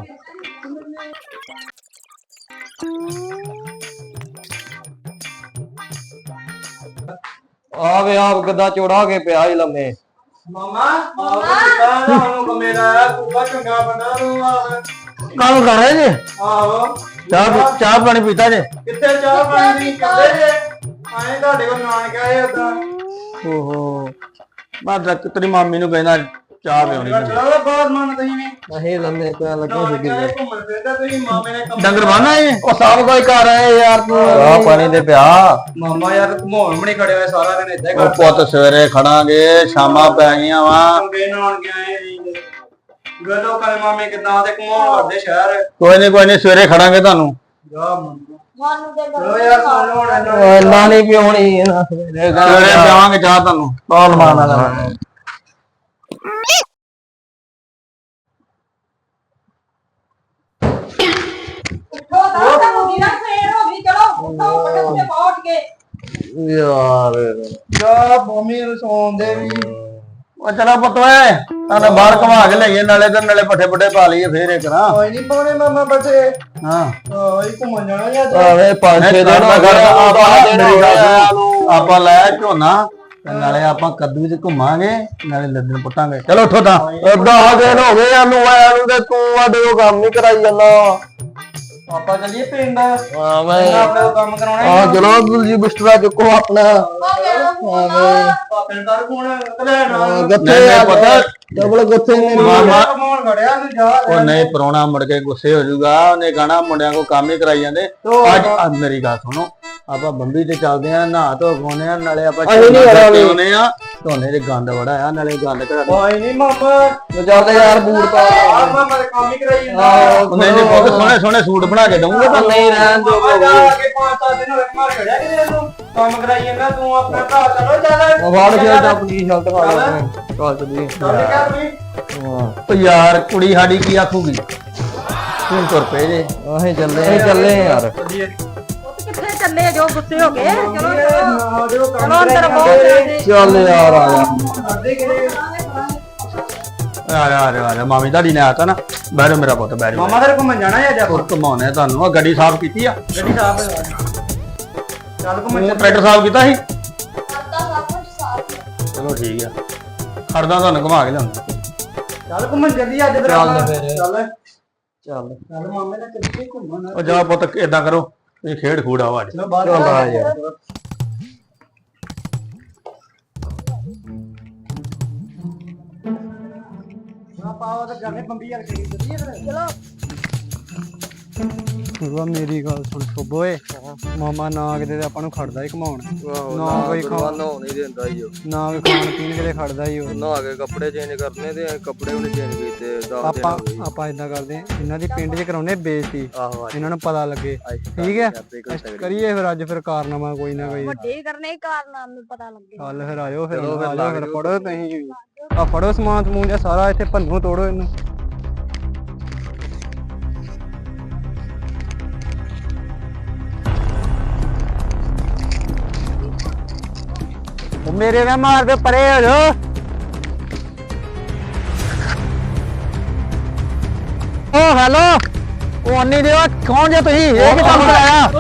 ਆਵੇ ਆਪ ਗੱਦਾ ਚੋੜਾ ਕੇ ਪਿਆ ਹੀ ਲੰਮੇ
ਮਾਮਾ ਆਹ ਕਿਦਾਂ ਦਾ ਹੁਣ ਕੰਮੇ ਦਾ ਕੁੱਬਾ ਚੰਗਾ ਬੰਦਾ ਨੂੰ ਆ
ਕੰਮ ਕਰ ਰਹੇ ਜੀ
ਆਹੋ
ਚਾਹ ਪੀ- ਚਾਹ ਪਾਣੀ ਪੀਤਾ ਜੇ
ਕਿੱਥੇ ਚਾਹ ਪਾਣੀ ਨਹੀਂ ਕਰਦੇ ਜੇ ਆਏ ਤੁਹਾਡੇ ਕੋਲ ਨਾਨਕ ਆਏ ਉਦਾਂ
ਓਹੋ ਮੈਂ ਤਾਂ ਤੇਰੀ ਮਾਮੀ ਨੂੰ ਕਹਿੰਦਾ ਚਾਹ ਪਿਉਣੀ
ਚਲੋ ਬਹੁਤ ਮਨ ਤੁਸੀਂ ਵੀ
ਅਸੀਂ ਲੰਮੇ ਪਿਆ ਲੱਗੇ
ਨਾਨਕ ਆਏ ਘੁੰਮਣ ਫਿਰਦਾ ਤੁਸੀਂ ਮਾਮੇ ਨੇ ਕੰਮ
ਡੰਗਰ ਬਾਨਾ ਏ ਉਹ ਸਭ ਕੋਈ ਕਰ ਰਹੇ ਯਾਰ ਤੂੰ ਚਾਹ ਪਾਣੀ ਤੇ ਪਿਆ
ਮਾਮਾ ਯਾਰ ਘੁਮਾਉਣ ਵੀ ਨਹੀਂ ਖੜਿਆ ਹੋਇਆ ਸਾਰਾ ਦਿਨ ਏਦਾਂ ਹੀ
ਉਹ ਪੁੱਤ ਸਵੇਰੇ ਖੜਾਂਗੇ ਸ਼ਾਮਾਂ ਪੈ ਗਈਆਂ ਵਾ
ਕੰਗੇ ਨਾਨਕ ਆਏ ਜੀ ਗਲੋ ਕਲ ਮਾਮੇ ਕਿਦਾਂ ਤੇ ਘੁਮਾਉਣ ਵਰਦੇ ਸ਼ਹਿਰ
ਕੋਈ ਨਹੀਂ ਕੋਈ ਨਹੀਂ ਸਵੇਰੇ ਖੜਾਂਗੇ ਤੁਹਾਨੂੰ
ਜਾ ਮੰਨ
ਮਾਨੂੰ ਤੇ
ਚਲੋ ਯਾਰ ਸੁਣ ਲਓ ਹੁਣ
ਇੰਨਾ ਨਹੀਂ ਪਿਉਣੀ ਸਵੇਰੇ ਪਿਆਵਾਂਗੇ ਚਾਹ ਤੁਹਾਨੂੰ ਬਹੁਤ ਮਾਣਾ ਦਾ
ਉੱਠੋ ਤਾਂ ਤਾਂ ਮੁੰਡੀ ਨਾ ਸਵੇਰ ਹੋ ਗਈ ਚਲੋ ਉੱਠੋ ਪੁੱਠੇ ਪੁੱਠੇ ਪਾਓ ਉੱਠ ਕੇ
ਯਾਰ
ਜਾ ਮੰਮੀ ਨੂੰ ਸੌਂਦੇ ਵੀ
ਉਹ ਚਲੋ ਪੁੱਤ ਓਏ ਤੁਹਾਨੂੰ ਬਾਹਰ ਘੁਮਾ ਕੇ ਲਈਏ ਨਾਲੇ ਤੇ ਨਾਲੇ ਪੱਠੇ ਪੁੱਠੇ ਪਾ ਲਈਏ ਫੇਰ ਇੱਕ ਨਾ
ਕੋਈ ਨਹੀਂ ਪਾਉਣੇ ਮਾਮਾ ਬੱਚੇ
ਹਾਂ
ਹਾਂ ਇਹ ਘੁੰਮਣ ਜਾਣਾ ਜਾਂ
ਆਵੇ ਪੰਜ ਛੇ ਦਿਨ ਹੋ ਗਏ ਆਪਾਂ ਆਪਾਂ ਲੈ ਝੋਨਾ ਤੇ ਨਾਲੇ ਆਪਾਂ ਕੱਦੂ ਚ ਘੁੰਮਾਂਗੇ ਨਾਲੇ ਲੱਦਣ ਪੁੱਟਾਂਗੇ ਚਲੋ ਉੱਠੋ ਤਾਂ ਦਸ ਦਿਨ ਹੋ ਗਏ ਸਾਨੂੰ ਆਇਆ ਨੂੰ ਤੇ ਤੂੰ ਆਡੇ ਉਹ ਕੰਮ ਨਹੀਂ ਕਰਾਈ ਜਾਂਦਾ
ਆਪਾਂ ਚੱਲੀਏ ਪਿੰਡ
ਹਾਂ ਮੈਂ
ਆਪਣੇ ਕੋਲ ਕੰਮ ਕਰਾਉਣਾ
ਆ ਚਲੋ ਜੀ ਬਿਸਤਰਾ ਚੁੱਕੋ ਆਪਣਾ
ਪਿੰਡ ਦਾ ਕੋਣ ਕਲੈਣਾ
ਗੱਥੇ ਆ ਪਤਾ ਡਬਲ ਗੱਥੇ ਨੇ ਮਾਮਾ
ਕਮਾਉਣ ਖੜਿਆ ਤੂੰ ਜਾ
ਉਹ ਨਹੀਂ ਪਰੋਣਾ ਮੁੜ ਕੇ ਗੁੱਸੇ ਹੋ ਜਾਊਗਾ ਉਹਨੇ ਕਹਣਾ ਮੁੰਡਿਆਂ ਕੋ ਕੰਮ ਹੀ ਕਰਾਈ ਜਾਂਦੇ ਅੱਜ ਅੱਜ ਮੇਰੀ ਗੱਲ ਸੁਣੋ ਆਪਾਂ ਬੰਬੀ ਤੇ ਚੱਲਦੇ ਆ ਨਹਾ ਧੋ ਪਾਉਨੇ ਆ ਨਾਲੇ ਆਪਾਂ ਚਾਉਨੇ ਆ ਧੋਨੇ ਦੇ ਗੰਦ ਬੜਾ ਆ ਨਾਲੇ ਗੰਦ ਘੜਾ
ਕੋਈ ਨਹੀਂ ਮਾਮਾ
ਚੱਲਦੇ ਯਾਰ ਬੂਟ ਪਾ
ਆਪਾਂ ਮੈਂ ਕੰਮ ਹੀ ਕਰਾਈ ਜਾਂਦਾ
ਨਹੀਂ ਨਹੀਂ ਬਹੁਤ ਸੋਹਣੇ ਸੋਹਣੇ ਸੂਟ ਬਣਾ ਕੇ ਦਊਂਗਾ
ਨਹੀਂ ਰਹਿਣ ਦੋ ਜਾ ਕੇ ਪੰਜ ਸੱਤ ਦਿਨ ਹੋਏ ਮਾਰ ਖੜਿਆ ਕਿਤੇ ਇਹਨੂੰ
ਕੰਮ ਕਰਾਈ ਜਾਂਦਾ ਤੂੰ ਆਪਣਾ ਭਰਾ ਚਲੋ ਚੱਲ
ਉਹ ਵਾੜ ਕੇ ਆਪਣੀ ਸ਼ਰਟ ਖਾ ਲੈ ਚੱਲ ਚੱਲੀ
ਚੱਲ ਕਿਆ ਤੁਸੀਂ
ਉਹ ਯਾਰ ਕੁੜੀ ਸਾਡੀ ਕੀ ਆਖੂਗੀ ਤੂੰ ਤੁਰ ਪਏ ਜੇ ਅਸੀਂ ਚੱਲੇ ਅਸੀਂ ਚੱਲੇ ਯਾਰ
ਕਿੱਥੇ ਚੱਲੇ ਜੋ ਗੁੱਸੇ ਹੋ ਗਏ ਚਲੋ
ਨਾ ਦਿਓ ਕੰਮ
ਚਲੋ ਅੰਦਰ ਬਹੁਤ ਜ਼ਿਆਦੇ
ਚੱਲ ਯਾਰ ਆ ਜਾ
ਕਰਦੇ ਕਿਹੜੇ
ਆ ਜਾ ਆ ਜਾ, ਆ ਜਾ ਮਾਮੀ ਤੁਹਾਡੀ ਨੇ ਆਤਾ ਨਾ ਬਹਿ ਜਾ ਮੇਰਾ ਪੁੱਤ ਬਹਿ ਜਾ
ਮਾਮਾ ਤੇਰੇ ਘੁੰਮਣ ਜਾਣਾ ਹੈ ਅੱਜ ਆਪਾਂ
ਹੋਰ ਘਮਾਉਣੇ ਤੁਹਾਨੂੰ ਆ ਗੱਡੀ ਸਾਫ਼ ਕੀਤੀ ਆ
ਗੱਡੀ ਸਾਫ ਹੈ ਚੱਲ ਘੁੰਮਣ
ਤੂੰ ਟਰੈਕਟਰ ਸਾਫ਼ ਕੀਤਾ ਸੀ
ਕਰਦਾ ਸਭ ਕੁਝ ਸਾਫ
ਚਲੋ ਠੀਕ ਆ ਖੜਦਾ ਤੁਹਾਨੂੰ ਘੁਮਾ ਕੇ ਲਿਆਉਂਦਾ
ਚੱਲ ਘੁੰਮਣ ਚੱਲੀ ਅੱਜ ਫਿਰ
ਚੱਲ
ਆਪਾਂ।
ਫਿਰ।
ਚੱਲ
ਚੱਲ
ਚੱਲ ਮਾਮੇ ਨਾਲ ਚੱਲੀਏ ਘੁੰਮਣ
ਉਹ ਜਾ ਪੁੱਤ ਏਦਾਂ ਕਰੋ ਇਹ ਖੇਡ ਖੂਡ ਆਵਾ ਅੱਜ
ਚਲੋ ਬਾਹਰ
ਚੱਲ ਆ ਯਾਰ
ਪਾਓ ਤੇ ਜਾਣੇ ਬੰਬੀ ਯਾਰ ਕਰੀ ਚੱਲੀਏ ਫਿਰ
ਚਲੋ
ਗੁਰੂਆ ਮੇਰੀ ਗੱਲ ਸੁਣ ਸੁਬੋਏ ਮਾਮਾ ਨਾ ਕਿਤੇ ਤੇ ਆਪਾਂ ਨੂੰ ਖੜਦਾ ਹੀ ਘਮਾਉਣ ਨਾ ਕੋਈ ਖਾ
ਨਹਾਉਣ ਨਹੀਂ ਦਿੰਦਾ ਈ ਉਹ
ਨਾ ਕੋਈ ਖਾਣ ਪੀਣ ਕਿਤੇ ਖੜਦਾ ਹੀ ਉਹ
ਨਹਾ ਕੇ ਕੱਪੜੇ ਚੇਂਜ ਕਰਨੇ ਤੇ ਅਸੀਂ ਕੱਪੜੇ ਵੀ ਨਹੀਂ ਚੇਂਜ ਕੀਤੇ ਦਸ ਦਿਨ
ਆਪਾਂ
ਹੋ ਗਏ
ਆਪਾਂ ਇਦਾਂ ਕਰਦੇ ਹਾਂ, ਇਹਨਾਂ ਦੀ ਪਿੰਡ 'ਚ ਕਰਾਉਨੇ ਬੇਇੱਜ਼ਤੀ
ਆਹੋ ਅੱਜ
ਇਹਨਾਂ ਨੂੰ ਪਤਾ ਲੱਗੇ
ਅੱਜ
ਠੀਕ ਹੈ
ਕਰਦੇ ਕੋਈ ਤਗੜੀ।
ਕਰੀਏ ਫਿਰ ਅੱਜ ਫਿਰ ਕਾਰਨਾਮਾ ਕੋਈ ਨਾ ਕੋਈ
ਵੱਡੇ ਕਰਨੇ ਹੀ ਕਾਰਨਾਮੇ ਨੂੰ ਪਤਾ ਲੱਗੇ
ਚੱਲ ਫਿਰ ਆਇਓ ਫਿਰ
ਚਲੋ ਫਿਰ
ਆਜੋ
ਲੱਗ
ਫਿਰ
ਜਾਓ।
ਫੜੋ ਤੁਸੀਂ ਆ ਫੜੋ ਸਮਾਨ ਸਮੂਨ ਜਿਹਾ ਸਾਰਾ ਇੱਥੇ ਭੰਨੋ ਤੋੜੋ ਇਹਨੂੰ ਉਹ ਮੇਰੇ ਨਾਲ ਮਾਰ ਦੇ ਪਰੇ ਹੋ ਜੋ ਓ ਹੈਲੋ ਉਹ ਅੰਨੀ ਦਿਓ ਕੌਣ ਜੇ ਤੁਸੀਂ ਇਹ ਕੀ ਕੰਮ ਕਰਾਇਆ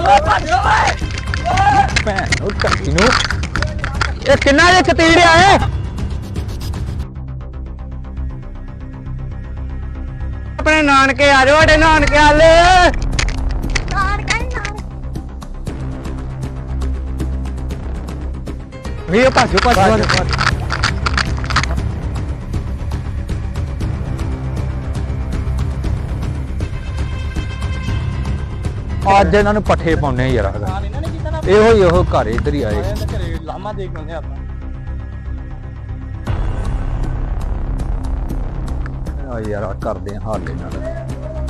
ਭੈਣ ਉਹ ਕੱਟੀ ਨੂੰ ਇਹ ਕਿੰਨਾ ਦੇ ਚਤੀੜੇ ਆਏ ਆਪਣੇ ਨਾਨਕੇ ਆ ਜਾਓ ਸਾਡੇ ਨਾਨਕੇ ਆਲੇ
ਨਾਰ ਕਾਈ ਨਾਰ
ਵੀ ਉਹ ਭਾਜੋ ਭਾਜੋ
ਅੱਜ ਇਹਨਾਂ ਨੂੰ ਪੱਠੇ ਪਾਉਣੇ ਯਾਰ ਇਹੋ ਹੀ ਇਹੋ ਘਰ ਇੱਧਰ ਹੀ ਆਏ
ਲਾਮਾ ਦੇਖ ਲੈਂਦੇ ਆਪਾਂ
ਆ ਯਾਰ ਆਹ ਕਰਦੇ ਆ ਹਾਲ ਇਹਨਾਂ ਦਾ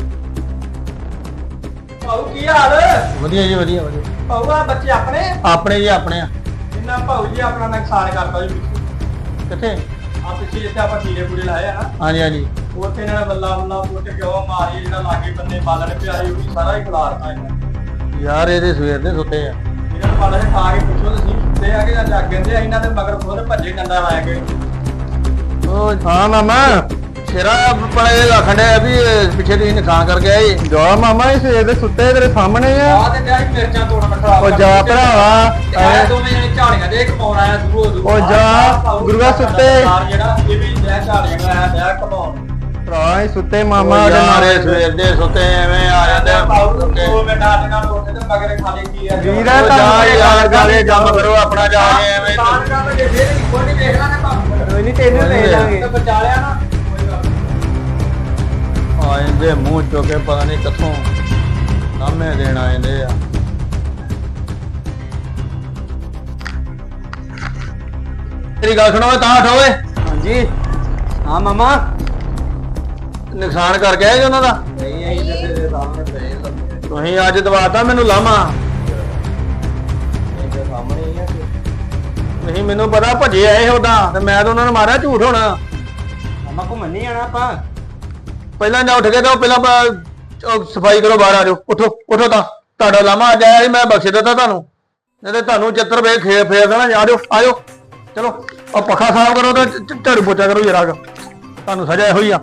ਭਾਉ ਕੀ ਹਾਲ
ਵਧੀਆ ਜੀ ਵਧੀਆ ਵਧੀਆ
ਭਾਉ ਆ ਬੱਚੇ ਆਪਣੇ
ਆਪਣੇ ਜੀ ਆਪਣੇ ਆ
ਇੰਨਾ ਭਾਉ ਜੀ ਆਪਣਾ ਨੁਕਸਾਨ ਕਰਤਾ ਜੀ
ਕਿੱਥੇ
ਆ ਪਿੱਛੇ ਜਿੱਥੇ ਆਪਾਂ ਕੀੜੇ ਕੂੜੇ ਲਾਏ ਆ ਨਾ
ਹਾਂਜੀ ਹਾਂਜੀ
ਉੱਥੇ ਇਹਨਾਂ ਨੇ ਬੱਲਾ ਬੱਲਾ ਪੁੱਟ ਕੇ ਉਹ ਮਾਰੀ ਜਿਹੜਾ ਲਾਗੇ ਬੰਨੇ ਬਾਲਣ ਪਿਆਰੀ ਉਹ ਵੀ ਸਾਰਾ ਹੀ ਖਿਲਾਰਤਾ ਇਹਨਾਂ ਨੇ।
ਯਾਰ ਇਹਦੇ ਸਵੇਰ ਦੇ ਸੁੱਤੇ ਆ
ਇਹਨਾਂ ਨੂੰ ਬਾਲਣ ਖਾ ਕੇ ਪੁੱਛੋ ਤੁਸੀਂ ਤੇ ਆ ਕੇ ਜਾਂ ਜਾਗਣ ਦੇ ਇਹਨਾਂ ਦੇ ਮਗਰ ਖੁਦ ਭੱਜੇ ਡੰਡਾ ਲਾਇਆ ਕੇ
ਉਹ ਹਾਂ ਮਾਮਾ ਸ਼ੇਰਾ ਪੜੇ ਲਖੰਡੇ ਵੀ ਇਹ ਪਿੱਛੇ ਦੀ ਨੁਕਸਾਨ ਕਰ ਗਿਆ ਏ ਜਾ ਮਾਮਾ ਇਹ ਸਵੇਰ ਦੇ ਸੁੱਤੇ ਤੇਰੇ ਸਾਹਮਣੇ ਆ
ਆ ਤੇ ਡਿਆ ਸੀ ਮਿਰਚਾਂ ਤੋੜਨ ਖਰਾਬ
ਉਹ ਜਾ ਭਰਾਵਾ
ਆਇਆ ਦੋਵੇਂ ਜਣੇ ਝਾੜੀਆਂ ਦੇ ਕਮਾਉਣ ਆਇਆ ਦੂਰੋਂ ਦੂਰੋਂ
ਉਹ ਜਾ, ਗੁਰੂਆ ਸੁੱਤੇ।
ਜਿਹੜਾ ਇਹ ਵੀ ਡਿਆ ਝਾੜੀਆਂ ਦਾ ਆਇਆ ਡਿਆ ਕਮਾਉਣ
ਭਰਾ ਹੀ ਸੁੱਤੇ ਮਾਮਾ ਦੇ ਮਾਰੇ ਸਵੇਰ ਦੇ ਸੁੱਤੇ ਐਵੇਂ ਆ ਜਾਂਦੇ
ਉਹ ਮੈਂ ਨਾਟ ਨਾਲ ਉੱਠ ਤੇ ਮਗਰ ਖਾਲੀ ਕੀ ਆ
ਵੀਰ ਆ ਜਾ ਯਾਰ ਗਾਲੇ ਕੰਮ ਕਰੋ ਆਪਣਾ ਜਾ ਕੇ ਐਵੇਂ
ਤਾਂ ਕੰਮ ਜੇ ਫੇਰ ਕੋਈ ਨਹੀਂ ਦੇਖ ਲਾਂਗੇ ਭਾਵੇਂ
ਕੋਈ ਨਹੀਂ ਤੈਨੂੰ ਲੈ ਜਾਾਂਗੇ
ਤੇ ਬਚਾ ਲਿਆ ਨਾ ਕੋਈ ਗੱਲ ਨੀ।
ਆ ਇਹਦੇ ਮੂੰਹ ਚੋਂ ਕੇ ਪਤਾ ਨਹੀਂ ਕਿੱਥੋਂ ਨਾਮੇ ਦੇਣ ਆਉਂਦੇ ਆ ਤੇਰੀ ਗੱਲ ਸੁਣੋ ਤਾਂ ਉਠ ਓਏ
ਹਾਂਜੀ ਹਾਂ ਮਾਮਾ
ਨੁਕਸਾਨ ਕਰ ਗਿਆ ਜੀ ਉਹਨਾਂ ਦਾ
ਨਹੀਂ ਆਈ ਤੇ ਤੇਰੇ ਸਾਹਮਣੇ ਪਏ ਲੱਗੇ
ਤੁਸੀਂ ਅੱਜ ਦਵਾਤਾ ਮੈਨੂੰ ਲਾਮਾ
ਇਹਦੇ ਸਾਹਮਣੇ ਹੀ ਆ ਕਿ
ਤੁਸੀਂ ਮੈਨੂੰ ਪਤਾ ਭੱਜੇ ਆਏ ਉਦਾਂ ਤੇ ਮੈਂ ਤਾਂ ਉਹਨਾਂ ਨੂੰ ਮਾਰਿਆ ਝੂਠ ਹੋਣਾ
ਮਾਮਾ ਘੁੰਮਣ ਨਹੀਂ ਜਾਣਾ ਆਪਾਂ
ਪਹਿਲਾਂ ਨਾ ਉੱਠ ਕੇ ਤਾਂ ਪਹਿਲਾਂ ਬ- ਉਹ ਸਫਾਈ ਕਰੋ ਬਾਹਰ ਆ ਜਾਓ ਉੱਠੋ ਉੱਠੋ ਤਾਂ ਤੁਹਾਡਾ ਲਾਮਾ ਅੱਜ ਆਇਆ ਸੀ ਮੈਂ ਬਖਸ਼ ਦਿੱਤਾ ਤੁਹਾਨੂੰ ਨਹੀਂ ਤੇ ਤੁਹਾਨੂੰ ਚੱਤਰ ਵੇ ਖੇ ਫੇਰ ਦੇਣਾ ਆ ਜਾਓ ਆ ਜਾਓ ਚਲੋ ਆ ਪੱਖਾ ਸਾਫ਼ ਕਰੋ ਤੇ ਝ- ਝਾੜੂ ਪੋਚਾ ਕਰੋ ਜਰਾ ਤੁਹਾਨੂੰ ਸਜ਼ਾ ਇਹੋ ਹੀ ਆ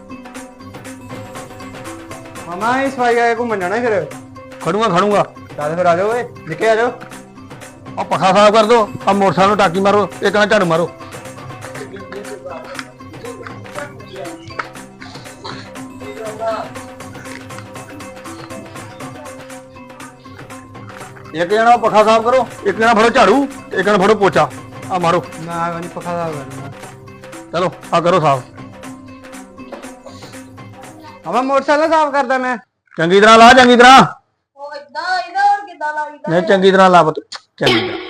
ਮਾਮਾ ਇਸ ਵਾਰੀ ਆਏ ਘੁੰਮਣ ਜਾਣਾ ਫਿਰ
ਖੜੂਗਾ ਖੜੂਗਾ
ਚੱਲ ਫਿਰ ਆ ਜਾਓ ਓਏ ਨਿੱਕੇ ਆ ਜਾਓ
ਆ ਪੱਖਾ ਸਾਫ਼ ਕਰ ਦੋ ਆ ਮੋਟਰਸਾਈਕਲ ਨੂੰ ਟਾਕੀ ਮਾਰੋ ਇੱਕ ਨਾਲ ਝਾੜੂ ਮਾਰੋ ਇੱਕ ਜਣਾ ਪੱਖਾ ਸਾਫ਼ ਕਰੋ ਇੱਕ ਜਣਾ ਫੜੋ ਝਾੜੂ ਇੱਕ ਜਣਾ ਫੜੋ ਪੋਚਾ ਆ ਮਾਰੋ
ਮੈਂ ਨਹੀਂ ਪੱਖਾ ਦਾ ਕਰਨਾ
ਚਲੋ ਆ ਕਰੋ ਸਾਫ਼
ਮਾਮਾ ਮੋਟਰਸਾਈਕਲ ਸਾਫ਼ ਕਰਦਾ ਮੈਂ
ਚੰਗੀ ਤਰ੍ਹਾਂ ਲਾ ਚੰਗੀ ਤਰ੍ਹਾਂ
ਉਹ ਇਦਾਂ ਇਹਦਾ ਹੋਰ ਕਿੱਦਾਂ ਲੱਗਦਾ
ਨਹੀਂ ਚੰਗੀ ਤਰ੍ਹਾਂ ਲਾ ਪੁੱਤ ਚੰਗੀ ਤਰ੍ਹਾਂ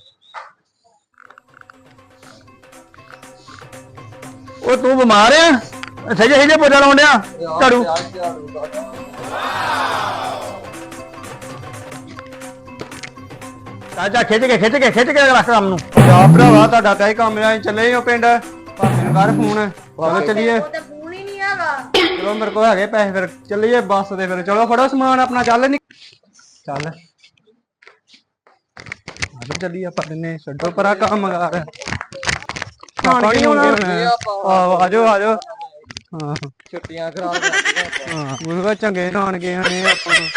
ਉਹ ਤੂੰ ਬਿਮਾਰ ਆ ਸਹੀ ਸਹੀ ਪੋਚਾ ਲਾਉਣ ਡਿਆ ਝਾੜੂ ਚਾਚਾ ਖਿੱਚ ਕੇ ਖਿੱਚ ਕੇ ਖਿੱਚ ਕੇ ਰੱਖ ਕੰਮ ਨੂੰ।
ਜਾ ਭਰਾਵਾ ਤੁਹਾਡਾ ਤਾਂ ਹੀ ਕੰਮ ਆ ਚੱਲੇ ਹੋ ਪਿੰਡ ਭਾਵੇਂ ਨੂੰ ਕਰ ਫੋਨ ਚਲੋ ਚੱਲੀਏ
ਉਹ ਤੇ ਫੋਨ ਹੀ ਨਹੀਂ ਹੈਗਾ।
ਚਲੋ ਮੇਰੇ ਕੋਲ ਹੈਗੇ ਪੈਸੇ ਫਿਰ ਚੱਲੀਏ ਬੱਸ ਤੇ ਫਿਰ ਚਲੋ ਫੜੋ ਸਮਾਨ ਆਪਣਾ ਚੱਲ ਨੀ ਚੱਲ ਅੱਜ ਚੱਲੀਏ ਆਪਾਂ ਦਿਨੇ ਛੱਡੋ ਪਰਾ ਕੰਮ ਕਰ ਆਪਾਂ ਨਹੀਂ ਹੋਣਾ ਆਹੋ ਆਜੋ ਆਜੋ ਹਾਂ
ਛੁੱਟੀਆਂ ਖਰਾਬ ਕਰਦੀਆਂ
ਹਾਂ ਉਹ ਚੰਗੇ ਨਾਨ ਗਏ ਨੇ ਆਪਾਂ ਨੂੰ।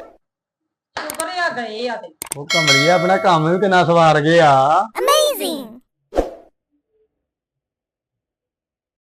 ਸ਼ੁਕਰ ਆ ਗਏ ਆ ਤੇ
ਉਹ ਕਮਲੀਆ ਆਪਣਾ ਕੰਮ ਵੀ ਕਿੰਨਾ ਸਵਾਰ ਗਿਆ।
ਅਮੇਜ਼ਿੰਗ।